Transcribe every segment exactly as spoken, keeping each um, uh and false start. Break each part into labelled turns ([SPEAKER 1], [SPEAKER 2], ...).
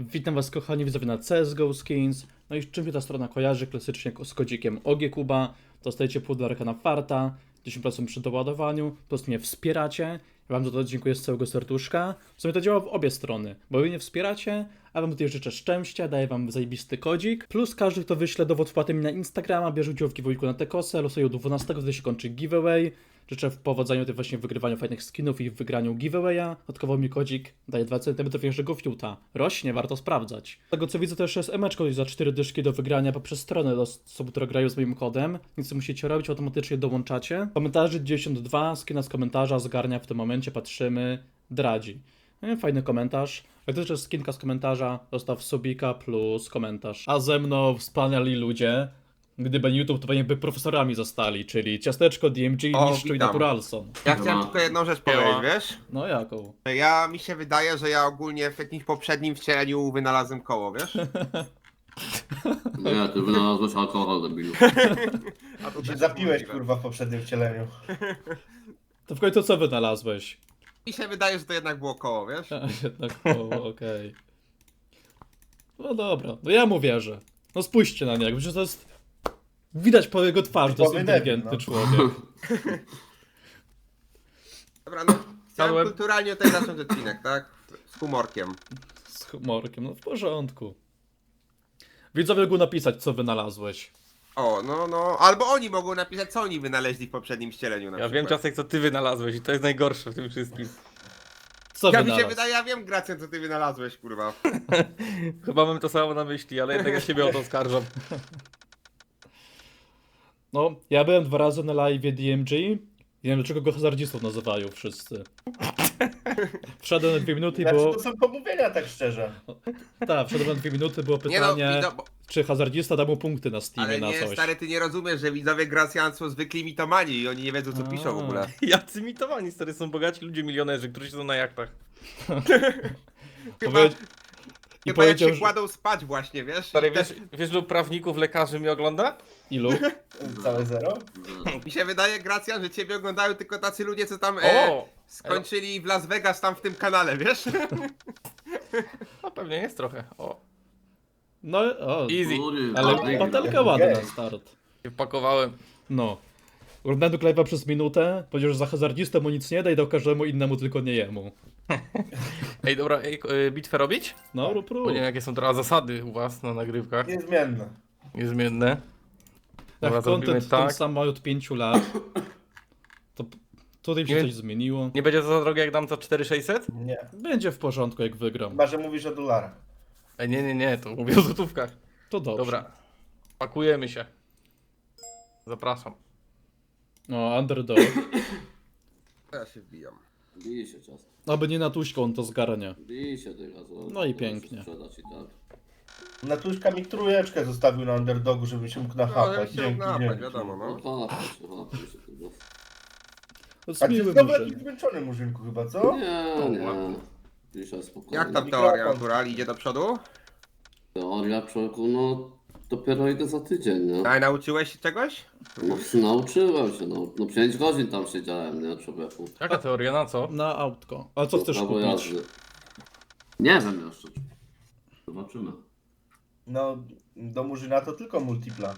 [SPEAKER 1] Witam was kochani widzowie na C S G O Skins. No i czym się ta strona kojarzy? Klasycznie z kodzikiem O G Kuba. Dostajecie pół dolarka na farta, dziesięć procent przy doładowaniu, po prostu mnie wspieracie. Ja wam za to dziękuję z całego serduszka. W sumie to działa w obie strony, bo wy mnie wspieracie, a wam tutaj życzę szczęścia, daję wam zajebisty kodzik. Plus każdy, kto wyśle dowód wpłaty mi na Instagrama, bierze udział w giveawayku na te kosę, losuje do dwunastego, wtedy się kończy giveaway. Życzę w powodzeniu tym właśnie w wygrywaniu fajnych skinów i w wygraniu giveawaya. Dodatkowo mi kodzik daje dwa centymetry większego fiuta. Rośnie, warto sprawdzać. Z tego co widzę też jest emeczko za cztery dyszki do wygrania poprzez stronę do osób, które grają z moim kodem. Nic co musicie robić, automatycznie dołączacie. Komentarzy dziewięćdziesiąt dwa, skina z komentarza zgarnia w tym momencie, patrzymy, Dradzi. No, fajny komentarz. Jak też jest skinka z komentarza, zostaw subika plus komentarz. A ze mną wspaniali ludzie. Gdyby nie YouTube, to pewnie by profesorami zostali, czyli Ciasteczko, D M G,
[SPEAKER 2] O,
[SPEAKER 1] Mistrzu i
[SPEAKER 2] witam.
[SPEAKER 1] Naturalson.
[SPEAKER 2] Ja chciałem tylko jedną rzecz powiedzieć, wiesz?
[SPEAKER 1] No jaką?
[SPEAKER 2] Ja, mi się wydaje, że ja ogólnie w jakimś poprzednim wcieleniu wynalazłem koło, wiesz?
[SPEAKER 3] Nie, ty wynalazłeś alkohol, debilu.
[SPEAKER 2] A to
[SPEAKER 4] Się
[SPEAKER 2] też
[SPEAKER 4] zapiłeś
[SPEAKER 2] możliwe.
[SPEAKER 4] kurwa w poprzednim wcieleniu.
[SPEAKER 1] To w końcu co wynalazłeś?
[SPEAKER 2] Mi się wydaje, że to jednak było koło, wiesz?
[SPEAKER 1] A, jednak, o, okej. No dobra, no ja mu wierzę. No spójrzcie na niego, że to jest... Widać po jego twarzy, to jest
[SPEAKER 4] Typowy
[SPEAKER 1] inteligentny
[SPEAKER 4] debil, no.
[SPEAKER 1] człowiek.
[SPEAKER 2] Dobra, no chciałem
[SPEAKER 1] Padłem.
[SPEAKER 2] kulturalnie tutaj zacząć odcinek, tak? Z humorkiem.
[SPEAKER 1] Z humorkiem, no w porządku. Widzowie mogą napisać, co wynalazłeś.
[SPEAKER 2] O, no, no, albo oni mogą napisać, co oni wynaleźli w poprzednim wcieleniu na
[SPEAKER 5] Ja
[SPEAKER 2] przykład.
[SPEAKER 5] wiem, Ciastek, co ty wynalazłeś i to jest najgorsze w tym wszystkim.
[SPEAKER 1] Co
[SPEAKER 2] Ja mi
[SPEAKER 1] wynalazł?
[SPEAKER 2] się wydaje, ja wiem, Gracjan, co ty wynalazłeś, kurwa.
[SPEAKER 5] Chyba mam to samo na myśli, ale jednak ja siebie o to oskarżam.
[SPEAKER 1] No, ja byłem dwa razy na live D M G. Nie wiem, dlaczego go hazardzistą nazywają wszyscy. Wszedłem na dwie minuty i
[SPEAKER 4] Znaczy
[SPEAKER 1] było...
[SPEAKER 4] to są pomówienia tak szczerze.
[SPEAKER 1] Tak, wszedłem na dwie minuty, było
[SPEAKER 2] Nie no,
[SPEAKER 1] pytanie,
[SPEAKER 2] widzo... bo-
[SPEAKER 1] czy hazardzista da mu punkty na Steamie
[SPEAKER 2] ale
[SPEAKER 1] na
[SPEAKER 2] nie,
[SPEAKER 1] coś.
[SPEAKER 2] stary, ty nie rozumiesz, że widzowie Gracjan są zwykli mitomani i oni nie wiedzą, co
[SPEAKER 1] A.
[SPEAKER 2] piszą w ogóle.
[SPEAKER 5] Jacy mitowani, stary, są bogaci ludzie, milionerzy, którzy siedzą na jachtach.
[SPEAKER 2] Chyba,
[SPEAKER 1] Powie... I
[SPEAKER 2] chyba jak
[SPEAKER 1] powiedział,
[SPEAKER 2] się
[SPEAKER 1] że...
[SPEAKER 2] kładą spać właśnie, wiesz?
[SPEAKER 5] Stary,
[SPEAKER 2] I
[SPEAKER 5] wiesz, wiesz, ilu prawników, lekarzy mnie ogląda?
[SPEAKER 1] Ilu?
[SPEAKER 4] Całe zero?
[SPEAKER 2] Mi się wydaje, Gracjan, że ciebie oglądają tylko tacy ludzie, co tam e,
[SPEAKER 5] O!
[SPEAKER 2] skończyli w Las Vegas tam w tym kanale, wiesz?
[SPEAKER 5] No pewnie jest trochę. O,
[SPEAKER 1] No, o,
[SPEAKER 5] easy.
[SPEAKER 3] Kurwa,
[SPEAKER 1] ale
[SPEAKER 3] debil.
[SPEAKER 1] patelka ładna na
[SPEAKER 4] Gej.
[SPEAKER 1] start.
[SPEAKER 5] Się wpakowałem.
[SPEAKER 1] No. Oglądałem do live'a przez minutę, powiedział, że za hazardzistę mu nic nie da i dał każdemu innemu, tylko nie jemu.
[SPEAKER 5] Ej, dobra, ej, y, bitwę robić?
[SPEAKER 1] No, rób, rób.
[SPEAKER 5] Bo nie wiem, jakie są teraz zasady u was na nagrywkach.
[SPEAKER 4] Niezmienne.
[SPEAKER 5] Niezmienne.
[SPEAKER 1] Jak
[SPEAKER 5] Dobra, zrobimy
[SPEAKER 1] content ten
[SPEAKER 5] tak.
[SPEAKER 1] sam ma od pięciu lat, to p- tutaj się
[SPEAKER 5] Nie-
[SPEAKER 1] coś zmieniło.
[SPEAKER 5] Nie będzie za drogie, jak dam za cztery tysiące sześćset?
[SPEAKER 4] Nie.
[SPEAKER 1] Będzie w porządku, jak wygram.
[SPEAKER 4] Chyba, że mówisz o dolarach.
[SPEAKER 5] Ej, nie, nie, nie, to mówię o złotówkach.
[SPEAKER 1] To dobrze.
[SPEAKER 5] Dobra, pakujemy się. Zapraszam.
[SPEAKER 1] No, underdog.
[SPEAKER 2] Ja się wbijam.
[SPEAKER 3] Bij się ciasto.
[SPEAKER 1] Aby nie na tuśką, on to zgarnia.
[SPEAKER 3] Bij się ty razu.
[SPEAKER 1] No i pięknie.
[SPEAKER 3] Sprzedać i tak.
[SPEAKER 4] Natuszka mi trójeczkę zostawił na underdogu, żebym się mógł
[SPEAKER 2] No,
[SPEAKER 4] nachapać.
[SPEAKER 2] ale się
[SPEAKER 4] Dzięki,
[SPEAKER 2] napać,
[SPEAKER 4] dzięki.
[SPEAKER 2] wiadomo,
[SPEAKER 3] No
[SPEAKER 2] no.
[SPEAKER 3] chapaj się, chapaj się tego.
[SPEAKER 1] To jest
[SPEAKER 4] A ty
[SPEAKER 1] miły
[SPEAKER 4] znowu
[SPEAKER 1] murzyn.
[SPEAKER 4] jakiś zmęczony murzynku chyba, co?
[SPEAKER 3] Nie, nie. Dzisiaj spokojnie.
[SPEAKER 2] Jak tam
[SPEAKER 4] Mikrofon.
[SPEAKER 2] teoria natural idzie do przodu?
[SPEAKER 3] Teoria, człowieku, no dopiero idę za tydzień, nie?
[SPEAKER 2] A nauczyłeś się czegoś?
[SPEAKER 3] No, nauczyłem się, no. No pięć godzin tam siedziałem, nie, człowieku.
[SPEAKER 5] Jaka teoria, na co?
[SPEAKER 1] Na autko. A co chcesz
[SPEAKER 3] Prawo
[SPEAKER 1] kupić?
[SPEAKER 3] jazdy. Nie wiem jeszcze. Zobaczymy.
[SPEAKER 4] No, do murzyna to tylko multipla.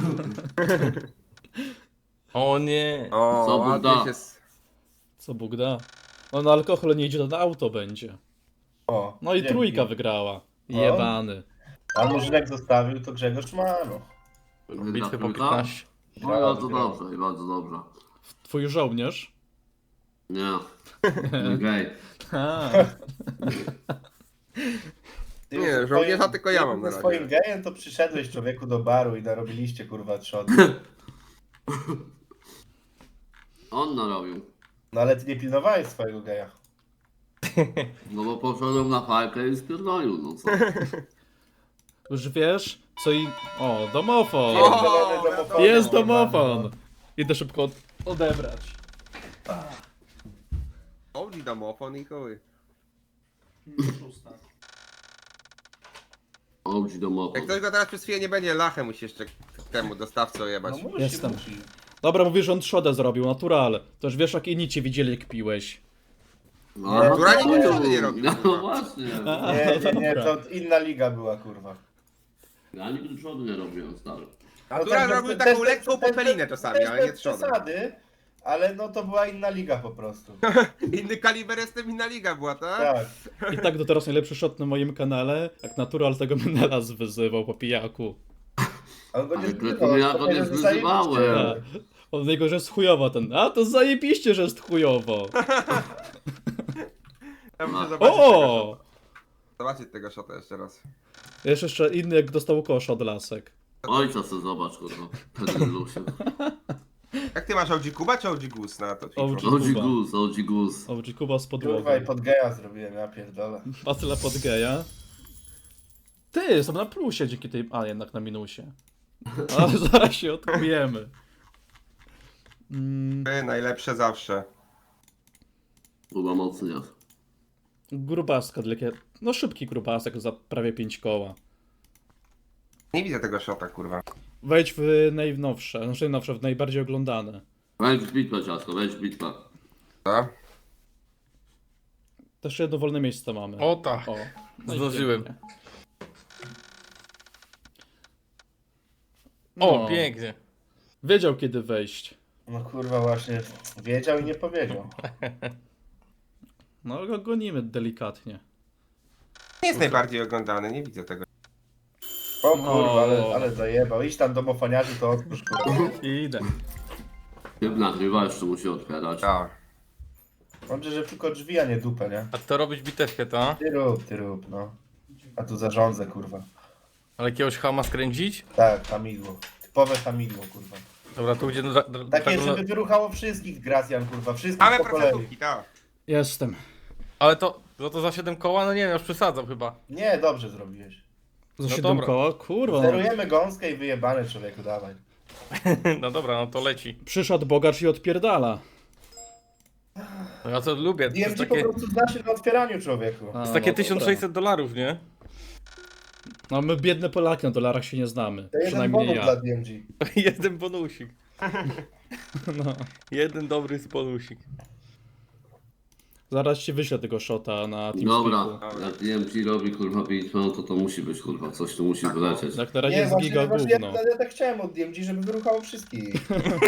[SPEAKER 5] O nie.
[SPEAKER 2] O,
[SPEAKER 3] Co Bóg
[SPEAKER 2] ładnie
[SPEAKER 3] da.
[SPEAKER 2] się... s-
[SPEAKER 1] Co Bóg da. No na alkohol nie idzie, to na auto będzie.
[SPEAKER 4] O,
[SPEAKER 1] No i
[SPEAKER 4] dzięki.
[SPEAKER 1] trójka wygrała. Jebany.
[SPEAKER 4] A murzynek zostawił, to Grzegorz ma, no.
[SPEAKER 5] Bitwy po
[SPEAKER 3] Trójka?
[SPEAKER 5] piętnaście.
[SPEAKER 3] No i bardzo dobrze, i bardzo dobrze.
[SPEAKER 1] Twój żołnierz?
[SPEAKER 3] Nie. Nie gej.
[SPEAKER 1] A,
[SPEAKER 4] Ty
[SPEAKER 2] Nie,
[SPEAKER 4] ze
[SPEAKER 2] żołnierza
[SPEAKER 4] swoim-
[SPEAKER 2] tylko ja
[SPEAKER 4] ty
[SPEAKER 2] mam na
[SPEAKER 4] Ze
[SPEAKER 2] razie.
[SPEAKER 4] swoim gejem to przyszedłeś człowieku do baru i narobiliście kurwa trzody.
[SPEAKER 3] On narobił.
[SPEAKER 4] No ale ty nie pilnowałeś swojego geja.
[SPEAKER 3] No bo poszedłem na fajkę i spierdolił, no co?
[SPEAKER 1] już wiesz, co i... O, domofon!
[SPEAKER 2] O,
[SPEAKER 4] Zielony domofon.
[SPEAKER 1] Jest domofon! Idę szybko od- odebrać.
[SPEAKER 2] Oldie domofon i chuj.
[SPEAKER 3] Ołdź domowy.
[SPEAKER 2] Jak ktoś go teraz przez chwilę nie będzie, lachę musi jeszcze temu dostawcy
[SPEAKER 4] No
[SPEAKER 2] ojebać.
[SPEAKER 4] musi,
[SPEAKER 1] Jestem.
[SPEAKER 4] musi.
[SPEAKER 1] Dobra, mówisz, że on trzodę zrobił, natural. To już wiesz, jak inni cię widzieli, jak piłeś.
[SPEAKER 3] No,
[SPEAKER 2] która
[SPEAKER 3] to-
[SPEAKER 2] nigdy żony nie robi,
[SPEAKER 3] No
[SPEAKER 2] kurwa.
[SPEAKER 3] właśnie.
[SPEAKER 1] A,
[SPEAKER 4] Nie, nie, nie,
[SPEAKER 1] dobra.
[SPEAKER 4] to inna liga była, kurwa.
[SPEAKER 3] Ja nigdy przodu nie robiłem, stary.
[SPEAKER 2] A która
[SPEAKER 4] tak,
[SPEAKER 2] robił
[SPEAKER 4] też-
[SPEAKER 2] taką
[SPEAKER 4] też-
[SPEAKER 2] lekką
[SPEAKER 4] też-
[SPEAKER 2] popelinę
[SPEAKER 4] też-
[SPEAKER 2] czasami,
[SPEAKER 4] też
[SPEAKER 2] ale nie
[SPEAKER 4] bez
[SPEAKER 2] trzody.
[SPEAKER 4] przesady, ale no to była inna liga po prostu.
[SPEAKER 2] Inny kaliber, jestem inna liga była, tak?
[SPEAKER 4] Tak.
[SPEAKER 1] I tak do teraz najlepszy shot na moim kanale, jak Natural tego Menelas wyzywał po pijaku.
[SPEAKER 4] A on go nie
[SPEAKER 3] Ale
[SPEAKER 4] zbywał,
[SPEAKER 3] to ja
[SPEAKER 4] on
[SPEAKER 3] go
[SPEAKER 4] powiedział,
[SPEAKER 3] nie
[SPEAKER 4] że zajebiście.
[SPEAKER 3] wyzywałem.
[SPEAKER 1] Tak. On niego, że jest chujowo ten. A to zajebiście, że jest chujowo.
[SPEAKER 2] Ja muszę
[SPEAKER 3] O!
[SPEAKER 2] zobaczyć tego,
[SPEAKER 1] O!
[SPEAKER 2] zobaczyć tego shota jeszcze raz.
[SPEAKER 1] Jest jeszcze inny, jak dostał kosz od lasek.
[SPEAKER 3] Ojca se zobacz, kurwa. Ten Lusiu.
[SPEAKER 2] Jak ty masz O G Kuba czy O G Goose na to
[SPEAKER 1] O G.
[SPEAKER 2] Twitchu?
[SPEAKER 3] O G Goose, O G Goose.
[SPEAKER 1] O, Kuba z podłogą.
[SPEAKER 4] Kurwa i pod geja zrobiłem, ja pierdolę.
[SPEAKER 1] Battle pod geja. Ty, jestem na plusie dzięki tej... A, jednak na minusie. Ale zaraz się odkujemy. Mm,
[SPEAKER 2] Ty, najlepsze zawsze.
[SPEAKER 3] Chyba mocny jest.
[SPEAKER 1] grubaska, takie... No szybki grubasek za prawie pięć koła.
[SPEAKER 2] Nie widzę tego shota, kurwa.
[SPEAKER 1] Wejdź w najnowsze, znaczy najnowsze, w najbardziej oglądane.
[SPEAKER 3] Wejdź w bitwę, ciasko, wejdź w bitwę.
[SPEAKER 2] Co?
[SPEAKER 1] Też jedno wolne miejsce mamy.
[SPEAKER 5] O tak.
[SPEAKER 1] O, no i
[SPEAKER 5] Zdążyłem.
[SPEAKER 1] pięknie.
[SPEAKER 5] O,
[SPEAKER 1] No,
[SPEAKER 5] pięknie.
[SPEAKER 1] wiedział kiedy wejść.
[SPEAKER 4] No kurwa właśnie, wiedział i nie powiedział.
[SPEAKER 1] No go gonimy delikatnie.
[SPEAKER 2] Nie jest najbardziej oglądany, nie widzę tego.
[SPEAKER 4] O kurwa,
[SPEAKER 1] O.
[SPEAKER 4] ale, ale zajebał. Idź tam do mofaniarzy, to odpuść kurwa.
[SPEAKER 1] Idę.
[SPEAKER 3] Typ nagrywa, jeszcze musi otwierać.
[SPEAKER 2] Tak.
[SPEAKER 4] Dobrze, że tylko drzwi, a nie dupę, nie?
[SPEAKER 5] A to robić bitewkę, to?
[SPEAKER 4] Ty rób, ty rób, no. A tu zarządzę, kurwa.
[SPEAKER 5] Ale jakiegoś hama skręcić?
[SPEAKER 4] Tak, hamidło. Typowe hamidło, kurwa.
[SPEAKER 5] Dobra, tu idzie do... do, do
[SPEAKER 4] Takie,
[SPEAKER 5] tak,
[SPEAKER 4] żeby wyruchało wszystkich Gracjan, kurwa. Wszystkich
[SPEAKER 2] Mamy
[SPEAKER 4] po kolei.
[SPEAKER 2] procentówki, tak.
[SPEAKER 1] Jestem.
[SPEAKER 5] Ale to, no to za siedem koła, no nie wiem, już przesadzam chyba.
[SPEAKER 4] Nie, dobrze zrobiłeś.
[SPEAKER 1] Za
[SPEAKER 5] No
[SPEAKER 1] siedem
[SPEAKER 5] dobra.
[SPEAKER 1] koła? Kurwa. No.
[SPEAKER 4] Zerujemy gąskę i wyjebane, człowieku, dawaj.
[SPEAKER 5] No dobra, no to leci.
[SPEAKER 1] Przyszedł bogacz i odpierdala.
[SPEAKER 5] No ja to lubię, to
[SPEAKER 4] D M
[SPEAKER 5] jest
[SPEAKER 4] G po
[SPEAKER 5] takie,
[SPEAKER 4] prostu zna się na otwieraniu, człowieku.
[SPEAKER 1] A,
[SPEAKER 5] to jest takie
[SPEAKER 1] no
[SPEAKER 5] tysiąc
[SPEAKER 1] dobra.
[SPEAKER 5] sześćset dolarów, nie?
[SPEAKER 1] No my biedne Polaki na dolarach się nie znamy.
[SPEAKER 4] To jeden
[SPEAKER 1] Przynajmniej
[SPEAKER 4] bonus
[SPEAKER 1] ja.
[SPEAKER 4] dla D M G.
[SPEAKER 5] Jeden bonusik.
[SPEAKER 1] No.
[SPEAKER 5] Jeden dobry bonusik.
[SPEAKER 1] Zaraz ci wyślę tego shota na
[SPEAKER 3] Dobra,
[SPEAKER 1] TeamSpeaku.
[SPEAKER 3] jak D M G robi kurwa bitwę, no to to musi być kurwa, coś tu musi wylecieć.
[SPEAKER 1] Jak na razie
[SPEAKER 4] Nie,
[SPEAKER 1] jest
[SPEAKER 4] właśnie,
[SPEAKER 1] giga
[SPEAKER 4] właśnie ja,
[SPEAKER 1] gówno.
[SPEAKER 4] ja tak chciałem od D M G, żeby wyruchało wszystkich.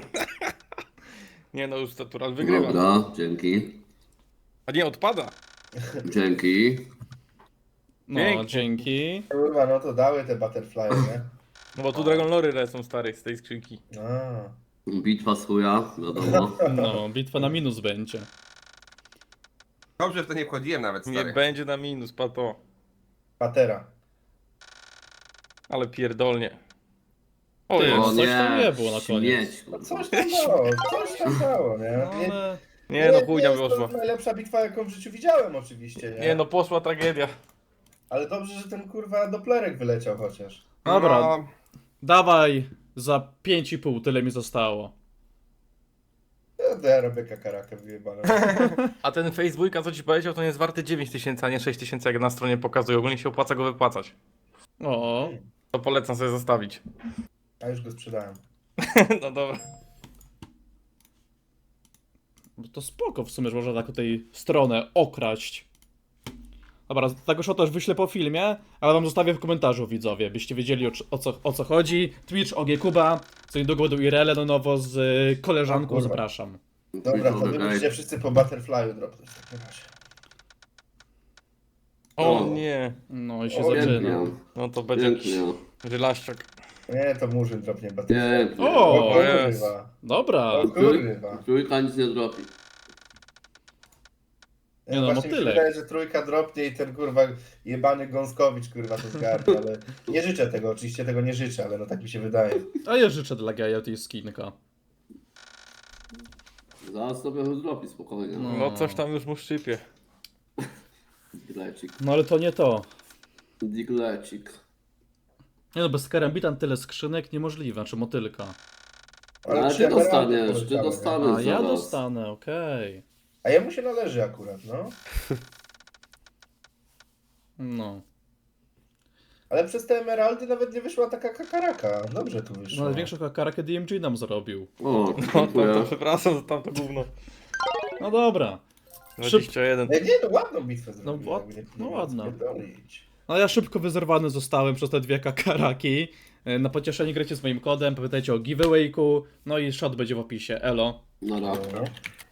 [SPEAKER 5] Nie no, już Natural wygrywa.
[SPEAKER 3] Dobra, dzięki.
[SPEAKER 5] A nie, odpada.
[SPEAKER 3] Dzięki.
[SPEAKER 1] No,
[SPEAKER 5] Pięknie.
[SPEAKER 1] dzięki.
[SPEAKER 4] Kurwa, no to dały te butterfly, nie?
[SPEAKER 5] No bo tu Dragon Lory lecą stary z tej skrzynki.
[SPEAKER 4] A.
[SPEAKER 3] Bitwa z chuja, wiadomo.
[SPEAKER 1] No, bitwa na minus będzie.
[SPEAKER 2] Dobrze, w to nie wchodziłem nawet,
[SPEAKER 5] Nie
[SPEAKER 2] stary.
[SPEAKER 5] będzie na minus, pato.
[SPEAKER 4] Patera.
[SPEAKER 5] Ale pierdolnie. O,
[SPEAKER 1] Ty,
[SPEAKER 5] jest.
[SPEAKER 1] no
[SPEAKER 3] O
[SPEAKER 1] coś tam nie było na koniec.
[SPEAKER 3] śmieć,
[SPEAKER 4] No
[SPEAKER 3] kurwa.
[SPEAKER 4] coś tam dało, coś tam dało, nie?
[SPEAKER 1] No,
[SPEAKER 4] Nie,
[SPEAKER 1] ale...
[SPEAKER 5] Nie no, chujnia
[SPEAKER 4] jest
[SPEAKER 5] wyszła.
[SPEAKER 4] to najlepsza bitwa, jaką w życiu widziałem oczywiście, nie?
[SPEAKER 5] Nie no, poszła tragedia.
[SPEAKER 4] Ale dobrze, że ten kurwa doplerek wyleciał chociaż.
[SPEAKER 1] Dobra,
[SPEAKER 2] No,
[SPEAKER 1] dawaj za pięć i pół, tyle mi zostało.
[SPEAKER 4] No to ja robię kakarakę wyjebane.
[SPEAKER 5] A ten Facebook, a co ci powiedział, to nie jest warty dziewięć tysięcy, a nie sześć tysięcy, jak na stronie pokazuje. Ogólnie się opłaca go wypłacać.
[SPEAKER 1] O,
[SPEAKER 5] To polecam sobie zostawić.
[SPEAKER 4] A już go sprzedałem.
[SPEAKER 5] No dobra.
[SPEAKER 1] bo to spoko w sumie, że można tak tej stronę okraść. Dobra, tego shota już wyślę po filmie, ale wam zostawię w komentarzu, widzowie, byście wiedzieli o, o, co, o co chodzi. Twitch, O G Kuba, co niedługo do I R L no nowo z y, koleżanką,
[SPEAKER 4] O kurwa.
[SPEAKER 1] zapraszam.
[SPEAKER 4] Dobra, to wy
[SPEAKER 3] Okej.
[SPEAKER 4] musicie wszyscy po butterflyu dropnąć w takim razie.
[SPEAKER 5] O
[SPEAKER 3] O.
[SPEAKER 5] nie.
[SPEAKER 1] No i się
[SPEAKER 4] O,
[SPEAKER 1] zaczyna.
[SPEAKER 3] Pięknie,
[SPEAKER 5] No to będzie jakiś
[SPEAKER 3] pięknie.
[SPEAKER 5] wylaściak.
[SPEAKER 4] Nie, to murzyn dropnie butterfly.
[SPEAKER 3] Pięknie.
[SPEAKER 1] O,
[SPEAKER 4] O
[SPEAKER 5] jest.
[SPEAKER 4] kurwa.
[SPEAKER 1] Dobra,
[SPEAKER 4] O kurwa.
[SPEAKER 3] Trójka nic nie dropi.
[SPEAKER 1] Nie no,
[SPEAKER 4] Właśnie mi się
[SPEAKER 1] motylek.
[SPEAKER 4] wydaje, że trójka dropnie i ten kurwa jebany Gąskowicz kurwa to zgarnie, ale nie życzę tego, oczywiście tego nie życzę, ale no tak mi się wydaje.
[SPEAKER 1] a ja życzę dla Gaja tej skinka.
[SPEAKER 3] Zaraz sobie dropi spokojnie.
[SPEAKER 1] No.
[SPEAKER 5] No coś tam już mu szczypie.
[SPEAKER 3] Diglecik.
[SPEAKER 1] No ale to nie to.
[SPEAKER 3] Diglecik.
[SPEAKER 1] Nie no, bez karambitan tyle skrzynek niemożliwe, znaczy motylka.
[SPEAKER 3] Ale
[SPEAKER 4] trzy
[SPEAKER 3] ty
[SPEAKER 4] emeraldy
[SPEAKER 3] dostaniesz, ty
[SPEAKER 4] poleciały, nie?
[SPEAKER 3] dostaniesz
[SPEAKER 1] A ja
[SPEAKER 3] zaraz.
[SPEAKER 1] dostanę, okej.
[SPEAKER 4] A jemu się należy akurat, no.
[SPEAKER 1] No.
[SPEAKER 4] Ale przez te emeraldy nawet nie wyszła taka kakaraka. Dobrze tu
[SPEAKER 1] No
[SPEAKER 4] wyszło.
[SPEAKER 1] ale większą kakarakę D M G nam zrobił.
[SPEAKER 3] O,
[SPEAKER 5] No to, to
[SPEAKER 3] dziękuję.
[SPEAKER 5] przepraszam za tamto gówno.
[SPEAKER 1] No dobra.
[SPEAKER 5] dwadzieścia jeden.
[SPEAKER 4] No nie, no ładną bitwę zrobiłem.
[SPEAKER 1] ład-
[SPEAKER 4] nie- nie
[SPEAKER 1] no
[SPEAKER 4] ma
[SPEAKER 1] ładna.
[SPEAKER 4] spierdolić.
[SPEAKER 1] No ja szybko wyzerwany zostałem przez te dwie kakaraki. E, Na pocieszenie grajcie z moim kodem, pamiętajcie o giveawayku, no i shot będzie w opisie, elo.
[SPEAKER 3] Na rak.
[SPEAKER 4] No.